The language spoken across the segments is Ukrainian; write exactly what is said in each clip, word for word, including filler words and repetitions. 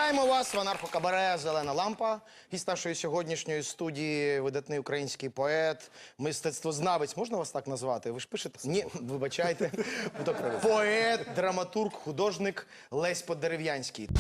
Вітаємо вас в анархо-кабаре «Зелена лампа». Гість нашої сьогоднішньої студії – видатний український поет, мистецтвознавець. Можна вас так назвати? Ви ж пишете? Ні, вибачайте. Поет, драматург, художник Лесь Подерев'янський.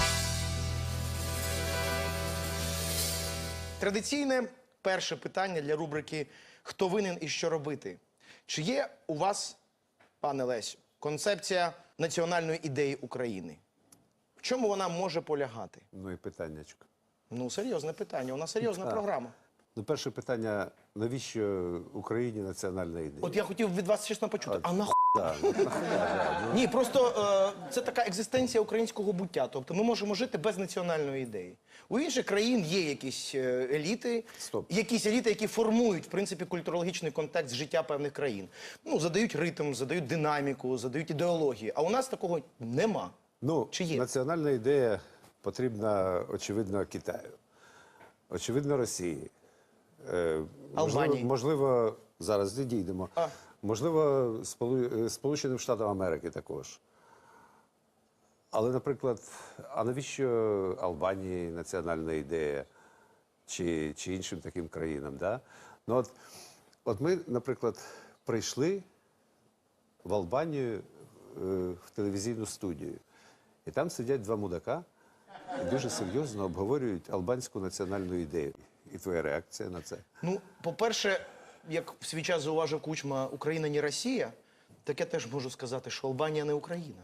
Традиційне перше питання для рубрики «Хто винен і що робити?». Чи є у вас, пане Лесю, концепція національної ідеї України? В чому вона може полягати? Ну і питаннячко. Ну, серйозне питання. У нас серйозна Так. програма. Ну, перше питання, навіщо Україні національна ідея? От я хотів від вас чесно почути. А нахуй? Так, ну, нахуя, да, Ні, просто е, це така екзистенція українського буття. Тобто ми можемо жити без національної ідеї. У інших країн є якісь е, еліти, Стоп. якісь еліти, які формують, в принципі, культурологічний контекст життя певних країн. Ну, задають ритм, задають динаміку, задають ідеології. А у нас такого нема. Ну, Чи є? національна ідея потрібна, очевидно, Китаю. Очевидно, Росії. Е, можливо, Албанії. можливо, зараз не дійдемо. А. Можливо, Сполу... Сполученим Штатам Америки також. Але, наприклад, а навіщо Албанії національна ідея? Чи, чи іншим таким країнам, да? Ну, от, от ми, наприклад, прийшли в Албанію е, в телевізійну студію. І там сидять два мудака і дуже серйозно обговорюють албанську національну ідею. І твоя реакція на це? Ну, по-перше, як в свій час зауважив Кучма, Україна не Росія, так я теж можу сказати, що Албанія не Україна.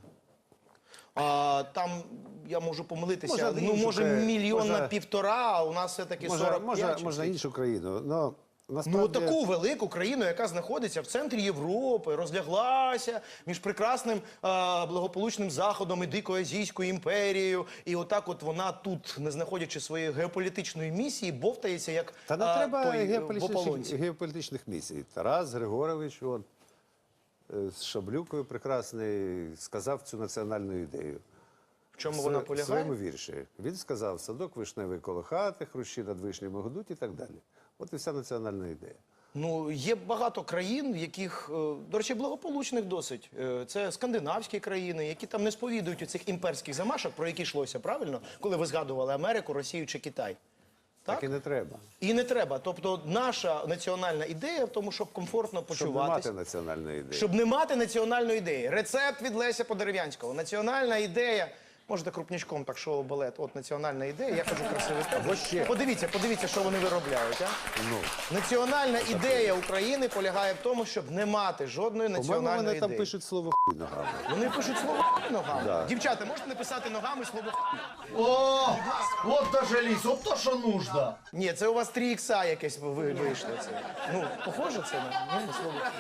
А там, я можу помилитися, Може, ну, може, іншу, мільйон може- на півтора, а у нас все-таки Може, сорок може, п'ять. чи можна скільки? іншу країну. Но, Ну, насправді... таку велику країну, яка знаходиться в центрі Європи, розляглася між прекрасним, а, благополучним Заходом і дикою Азійською імперією. І отак от вона тут, не знаходячи своєї геополітичної місії, бовтається, як Та не а, треба той, е, в геополітичних, ополонці. геополітичних місій. Тарас Григорович он, е, з Шаблюкою прекрасний сказав цю національну ідею. В чому В вона сво- В полягає? своєму вірші. Він сказав, садок вишневий коло хати, хрущі над вишнями гудуть і так далі. От і вся національна ідея. Ну, є багато країн, в яких, е, до речі, благополучних досить. Е, Це скандинавські країни, які там не сповідують у цих імперських замашок, про які йшлося, правильно? Коли ви згадували Америку, Росію чи Китай. Так, і не треба. І не треба. Тобто наша національна ідея в тому, щоб комфортно Щоб не почуватися. мати національної ідеї. Щоб не мати національної ідеї. Рецепт від Леся Подерев'янського. Національна ідея. Можете крупнячком так шоу-балет. От національна ідея. Я кажу красивий текст. ще. Подивіться, подивіться, що вони виробляють. А? Ну, Національна ідея України полягає в тому, щоб не мати жодної по-моєму, національної вони там ідеї. пишуть слово «хуй» ногами. Вони пишуть слово «хуй» ногами. Да. Дівчата, можете написати ногами слово «хуй»? О, вот дожились, вот то, что нужно. Ні, це у вас три ікса якесь ви- вийшло. Це. Ну, похоже це на ну, слово «хуй».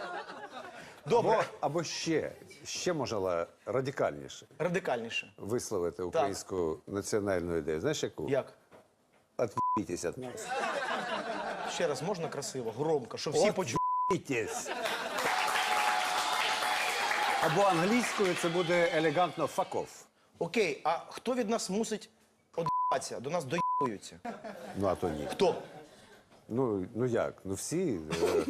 Добре, Або, або ще, ще можна радикальніше радикальніше. висловити українську національну ідею. Знаєш яку? Як? От'їбітесь від нас. Ще раз, можна красиво, громко, щоб всі почули. От'їбітесь. Або англійською це буде елегантно «fuck off». Окей, а хто від нас мусить од'їбатися? До нас доїбуються. Ну, а то ні. Хто? Ну, ну як? Ну всі. е,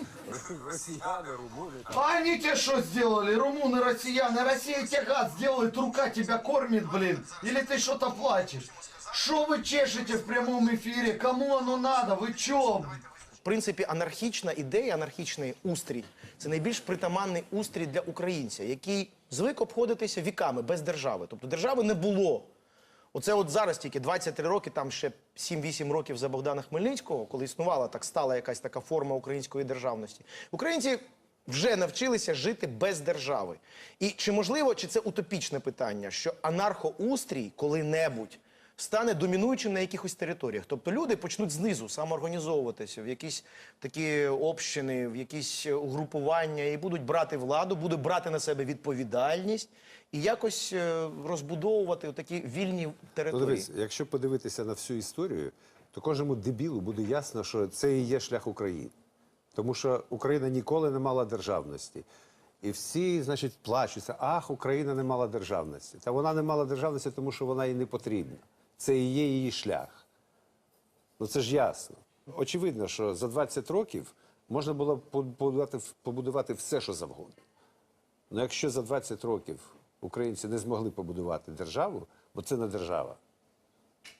А они тебе что сделали, румыны, россияне? Россия тебе гад сделает, рука тебя кормит, блин. Или ты что-то плачешь? Что вы чешете в прямом эфире? Кому оно надо? Вы чё? В принципі, анархічна ідея, анархічний устрій – це найбільш притаманний устрій для українця, який звик обходитися віками без держави. Тобто держави не було. Оце от зараз тільки двадцять три роки, там ще сім-вісім років за Богдана Хмельницького, коли існувала так стала якась така форма української державності. Українці вже навчилися жити без держави. І чи можливо, чи це утопічне питання, що анархоустрій коли-небудь стане домінуючим на якихось територіях? Тобто люди почнуть знизу самоорганізовуватися в якісь такі общини, в якісь угрупування і будуть брати владу, будуть брати на себе відповідальність і якось е, розбудовувати такі вільні Ну, території. дивись, якщо подивитися на всю історію, то кожному дебілу буде ясно, що це і є шлях України. Тому що Україна ніколи не мала державності. І всі, значить, плачуться, ах, Україна не мала державності. Та вона не мала державності, тому що вона їй не потрібна. Це і є її шлях. Ну це ж ясно. Очевидно, що за двадцять років можна було б побудувати, побудувати все, що завгодно. Але якщо за двадцять років українці не змогли побудувати державу, бо це не держава,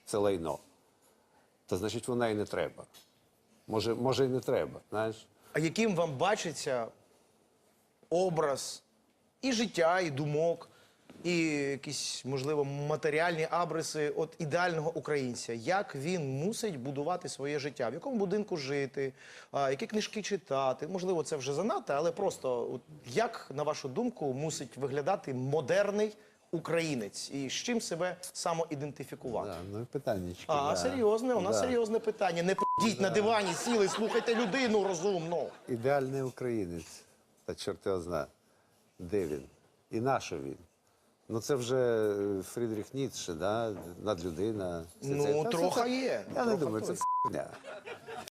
це лайно, то значить вона і не треба. Може, може і не треба, знаєш. А яким вам бачиться образ і життя, і думок, і якісь, можливо, матеріальні абриси от ідеального українця? Як він мусить будувати своє життя? В якому будинку жити? А, які книжки читати? Можливо, це вже занадто, але просто от, як, на вашу думку, мусить виглядати модерний українець? І з чим себе самоідентифікувати? Да, ну, питаннячки. А, да. серйозне, у нас Да. серйозне питання. Не п***іть на дивані, сіли, слухайте людину розумну. Ідеальний українець. Та чорт його зна. Де він? І на що він? Ну це вже е, Фрідріх Ніцше, да? Надлюдина. Все Ну, це. Та трохи це- є. Я не Трохи думаю, це точно. ф***ня.